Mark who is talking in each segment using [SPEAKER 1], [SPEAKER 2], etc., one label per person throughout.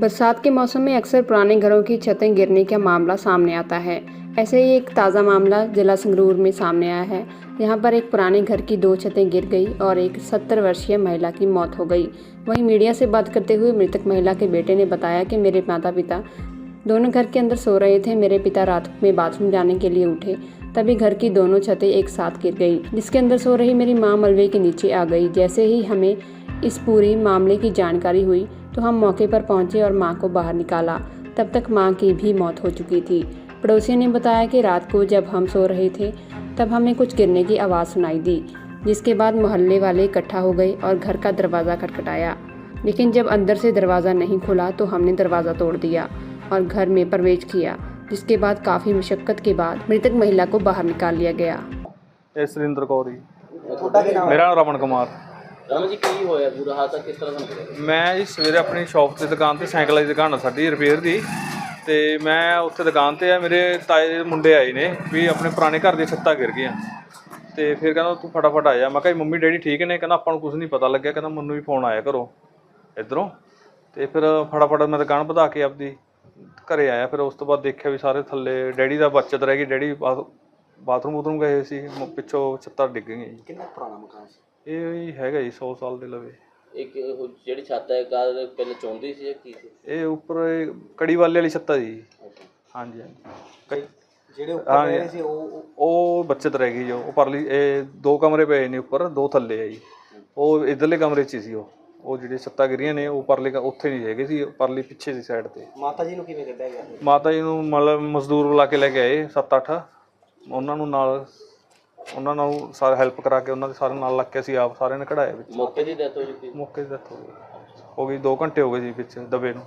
[SPEAKER 1] बरसात के मौसम में अक्सर पुराने घरों की छतें गिरने का मामला सामने आता है। ऐसे ही एक ताज़ा मामला जिला संगरूर में सामने आया है। यहाँ पर एक पुराने घर की 2 छतें गिर गई और एक 70 वर्षीय महिला की मौत हो गई। वहीं मीडिया से बात करते हुए मृतक महिला के बेटे ने बताया कि मेरे माता पिता दोनों घर के अंदर सो रहे थे। मेरे पिता रात में बाथरूम जाने के लिए उठे, तभी घर की दोनों छतें एक साथ गिर गई, जिसके अंदर सो रही मेरी माँ मलबे के नीचे आ गई। जैसे ही हमें इस पूरी मामले की जानकारी हुई तो हम मौके पर पहुंचे और मां को बाहर निकाला। तब तक मां की भी मौत हो चुकी थी। पड़ोसियों ने बताया कि रात को जब हम सो रहे थे तब हमें कुछ गिरने की आवाज़ सुनाई दी, जिसके बाद मोहल्ले वाले इकट्ठा हो गए और घर का दरवाज़ा खटखटाया। लेकिन जब अंदर से दरवाज़ा नहीं खुला तो हमने दरवाज़ा तोड़ दिया और घर में प्रवेश किया, जिसके बाद काफ़ी मशक्क़त के बाद मृतक महिला को बाहर निकाल लिया गया।
[SPEAKER 2] सुरिंदर कौर जी, मेरा रमन कुमार।
[SPEAKER 3] ਰਮਨ ਜੀ ਕੀ ਹੋਇਆ ਪੂਰਾ ਹਾਦਸਾ ਕਿਸ ਤਰ੍ਹਾਂ ਦਾ ਹੋਇਆ?
[SPEAKER 2] ਮੈਂ ਜੀ ਸਵੇਰੇ ਆਪਣੀ ਸ਼ੌਪ ਤੇ ਦੁਕਾਨ ਤੇ ਸਾਈਕਲਾਂ ਦੀ ਦੁਕਾਨ ਆ ਸਾਡੀ ਰਿਪੇਅਰ ਦੀ, ਤੇ ਮੈਂ ਉੱਥੇ ਦੁਕਾਨ ਤੇ ਆ। ਮੇਰੇ ਤਾਏ ਦੇ ਮੁੰਡੇ ਆਏ ਨੇ ਵੀ ਆਪਣੇ ਪੁਰਾਣੇ ਘਰ ਦੀਆਂ ਛੱਤਾਂ ਗਿਰ ਗਈਆਂ, ਤੇ ਫਿਰ ਕਹਿੰਦਾ ਤੂੰ ਫਟਾਫਟ ਆ ਜਾ। ਮੈਂ ਕਿਹਾ ਮੰਮੀ ਡੈਡੀ ਠੀਕ ਨੇ? ਕਹਿੰਦਾ ਆਪਾਂ ਨੂੰ ਕੁਝ ਨਹੀਂ ਪਤਾ ਲੱਗਿਆ, ਕਹਿੰਦਾ ਮੈਨੂੰ ਵੀ ਫੋਨ ਆਇਆ ਘਰੋਂ ਇੱਧਰੋਂ, ਤੇ ਫਿਰ ਫਟਾਫਟ ਮੈਂ ਦੁਕਾਨ ਵਧਾ ਕੇ ਆਪਦੀ ਘਰੇ ਆਇਆ। ਫਿਰ ਉਸ ਤੋਂ ਬਾਅਦ ਦੇਖਿਆ ਵੀ ਸਾਰੇ ਥੱਲੇ ਡੈਡੀ ਦਾ ਬਚਤ ਰਹਿ ਗਈ, ਡੈਡੀ ਬਾਥਰੂਮ ਬੂਥਰੂਮ ਗਏ ਸੀ, ਪਿੱਛੋਂ ਛੱਤਾਂ ਡਿੱਗ ਗਈਆਂ ਜੀ।
[SPEAKER 3] ਕਿੰਨਾ ਪੁਰਾਣਾ ਮਕਾਨ ਸੀ
[SPEAKER 2] ਇਹ ਹੈਗਾ ਜੀ 100 ਸਾਲ ਦੇ ਲਵੇ।
[SPEAKER 3] ਇੱਕ ਜਿਹੜੀ ਛੱਤ ਹੈ ਕਾਰ ਪਹਿਲੇ ਚੌਂਦੀ ਸੀ ਜਾਂ ਕੀ ਸੀ?
[SPEAKER 2] ਇਹ ਉੱਪਰ ਕੜੀ ਵਾਲੇ ਛੱਤ ਆ ਜੀ। ਹਾਂਜੀ ਹਾਂਜੀ,
[SPEAKER 3] ਜਿਹੜੇ ਉੱਪਰ ਰਹੇ ਸੀ
[SPEAKER 2] ਉਹ ਬੱਚਤ ਰਹਿ ਗਈ ਜੋ ਉਹ ਪਰਲੀ। ਇਹ 2 ਕਮਰੇ ਪਏ ਨੇ ਉੱਪਰ, 2 ਥੱਲੇ ਆ ਜੀ। ਉਹ ਇੱਧਰਲੇ ਕਮਰੇ 'ਚ ਸੀ। ਉਹ ਜਿਹੜੇ ਛੱਤਾਂ ਗਿਰੀਆਂ ਨੇ ਉਹ ਪਰਲੇ ਉੱਥੇ ਨਹੀਂ ਹੈਗੇ ਸੀ, ਪਰਲੀ ਪਿੱਛੇ ਦੀ ਸਾਈਡ ਤੇ।
[SPEAKER 3] ਮਾਤਾ ਜੀ ਨੂੰ ਕਿਵੇਂ ਕੱਢਿਆ ਗਿਆ?
[SPEAKER 2] ਮਾਤਾ ਜੀ ਨੂੰ ਮਤਲਬ ਮਜ਼ਦੂਰ ਬੁਲਾ ਕੇ ਲੈ ਕੇ ਆਏ 7-8, ਉਹਨਾਂ ਨਾਲ ਸਾਰੇ ਹੈਲਪ ਕਰਾ ਕੇ ਉਹਨਾਂ ਦੇ ਸਾਰੇ ਨਾਲ ਲੱਗ ਕੇ ਅਸੀਂ ਆਪ ਸਾਰਿਆਂ ਨੇ ਕਢਾਇਆ ਵਿੱਚ।
[SPEAKER 3] ਮੌਕੇ ਦੀ ਡੈਥ ਹੋ ਚੁੱਕੀ?
[SPEAKER 2] ਮੌਕੇ ਦੀ ਡੈਥ ਹੋ ਗਈ 2 ਘੰਟੇ ਹੋ ਗਏ ਜੀ ਵਿੱਚ ਦਬੇ ਨੂੰ।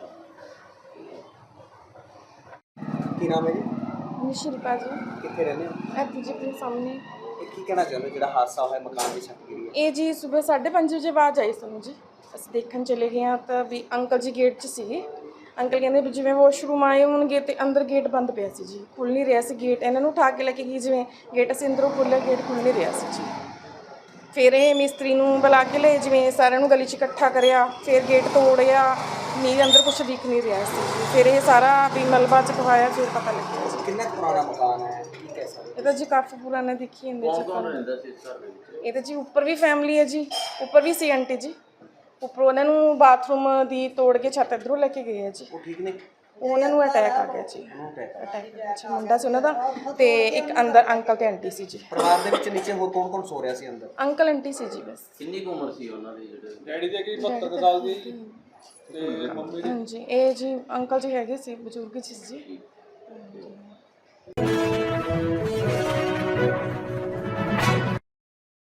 [SPEAKER 3] ਕੀ ਨਾਮ ਹੈ ਜੀ?
[SPEAKER 4] ਨਿਸ਼ਿਲਪਾ ਜੀ।
[SPEAKER 3] ਕਿੱਥੇ ਰਹਿੰਦੇ ਹੋ?
[SPEAKER 4] ਇੱਥੇ ਜੀ ਆਪਣੇ ਸਾਹਮਣੇ।
[SPEAKER 3] ਇਹ ਕੀ ਕਹਿਣਾ ਚਾਹੁੰਦੇ ਜਿਹੜਾ ਹਾਦਸਾ ਹੋਇਆ ਮਕਾਨ ਦੀ ਛੱਤ ਗਿਰੀ ਹੈ?
[SPEAKER 4] ਇਹ ਜੀ ਸਵੇਰ 5:30 ਵਜੇ ਆਵਾਜ਼ ਆਈ ਸਾਨੂੰ ਜੀ। ਅਸੀਂ ਦੇਖਣ ਚਲੇ ਗਏ ਹਾਂ ਤਾਂ ਵੀ ਅੰਕਲ ਜੀ ਗੇਟ 'ਚ ਸੀਗੇ। ਅੰਕਲ ਕਹਿੰਦੇ ਵੀ ਜਿਵੇਂ ਵਾਸ਼ਰੂਮ ਆਏ ਹੋਣਗੇ ਤੇ ਅੰਦਰ ਗੇਟ ਬੰਦ ਪਿਆ ਸੀ ਜੀ, ਖੁੱਲ੍ਹ ਨਹੀਂ ਰਿਹਾ ਸੀ ਗੇਟ। ਇਹਨਾਂ ਨੂੰ ਉਠਾ ਕੇ ਲੈ ਕੇ ਗਈ, ਜਿਵੇਂ ਗੇਟ ਅਸੀਂ ਅੰਦਰੋਂ ਖੋਲ੍ਹਿਆ ਗੇਟ ਖੁੱਲ੍ਹ ਨਹੀਂ ਰਿਹਾ ਸੀ ਜੀ। ਫਿਰ ਇਹ ਮਿਸਤਰੀ ਨੂੰ ਬੁਲਾ ਕੇ ਲਏ, ਜਿਵੇਂ ਸਾਰਿਆਂ ਨੂੰ ਗਲੀ 'ਚ ਇਕੱਠਾ ਕਰਿਆ, ਫਿਰ ਗੇਟ ਤੋੜਿਆ, ਨਹੀਂ ਅੰਦਰ ਕੁਛ ਦਿਖ ਨਹੀਂ ਰਿਹਾ ਸੀ ਜੀ। ਫਿਰ ਇਹ ਸਾਰਾ ਵੀ ਮਲਬਾ ਚਕਵਾਇਆ, ਫਿਰ ਪਤਾ ਲੱਗਿਆ ਜੀ।
[SPEAKER 3] ਕਿੰਨਾ ਪੁਰਾਣਾ ਮਕਾਨ ਹੈ, ਕੀ ਕਹਿ ਸਕਦੇ?
[SPEAKER 4] ਇਹ ਤਾਂ ਜੀ ਕਾਫੀ ਪੁਰਾਣਾ ਦੇਖੀ ਜਾਂਦੇ ਜੀ।
[SPEAKER 3] ਕੌਣ ਰਹਿੰਦਾ ਸੀ ਇਸ ਘਰ ਦੇ ਵਿੱਚ?
[SPEAKER 4] ਇਹ ਤਾਂ ਜੀ ਉੱਪਰ ਵੀ ਫੈਮਿਲੀ ਹੈ ਜੀ, ਉੱਪਰ ਵੀ ਸੀ ਆਂਟੀ ਜੀ। ਉੱਪਰੋਂ ਉਹਨਾਂ ਨੂੰ ਬਾਥਰੂਮ ਦੀ ਤੋੜ ਕੇ ਛੱਤ ਇੱਧਰੋਂ ਲੈ ਕੇ ਗਏ ਆ ਜੀ।
[SPEAKER 3] ਉਹ ਠੀਕ ਨੇ?
[SPEAKER 4] ਉਹਨਾਂ ਨੂੰ ਅਟੈਕ ਆ ਗਿਆ ਜੀ। ਅਟੈਕ ਜੀ ਮੁੰਡਾ ਸੀ ਉਹਨਾਂ ਦਾ, ਤੇ ਇੱਕ ਅੰਦਰ ਅੰਕਲ ਤੇ ਆਂਟੀ ਸੀ ਜੀ।
[SPEAKER 3] ਪਰਿਵਾਰ ਦੇ ਵਿੱਚ ਨੀਚੇ ਹੋਰ ਕੌਣ ਕੌਣ ਸੋ ਰਿਹਾ ਸੀ ਅੰਦਰ?
[SPEAKER 4] ਅੰਕਲ ਆਂਟੀ ਸੀ ਜੀ ਬਸ।
[SPEAKER 3] ਕਿੰਨੀ ਕੁ ਉਮਰ ਸੀ ਉਹਨਾਂ ਦੀ? ਜਿਹੜੇ
[SPEAKER 2] ਡੈਡੀ ਦੇ ਕੀ 72 ਸਾਲ ਦੀ ਤੇ ਮੰਮੀ
[SPEAKER 4] ਹਾਂਜੀ, ਇਹ ਜੀ ਅੰਕਲ ਜੀ ਹੈਗੇ ਸੀ, ਬਜ਼ੁਰਗ ਸੀ ਜੀ।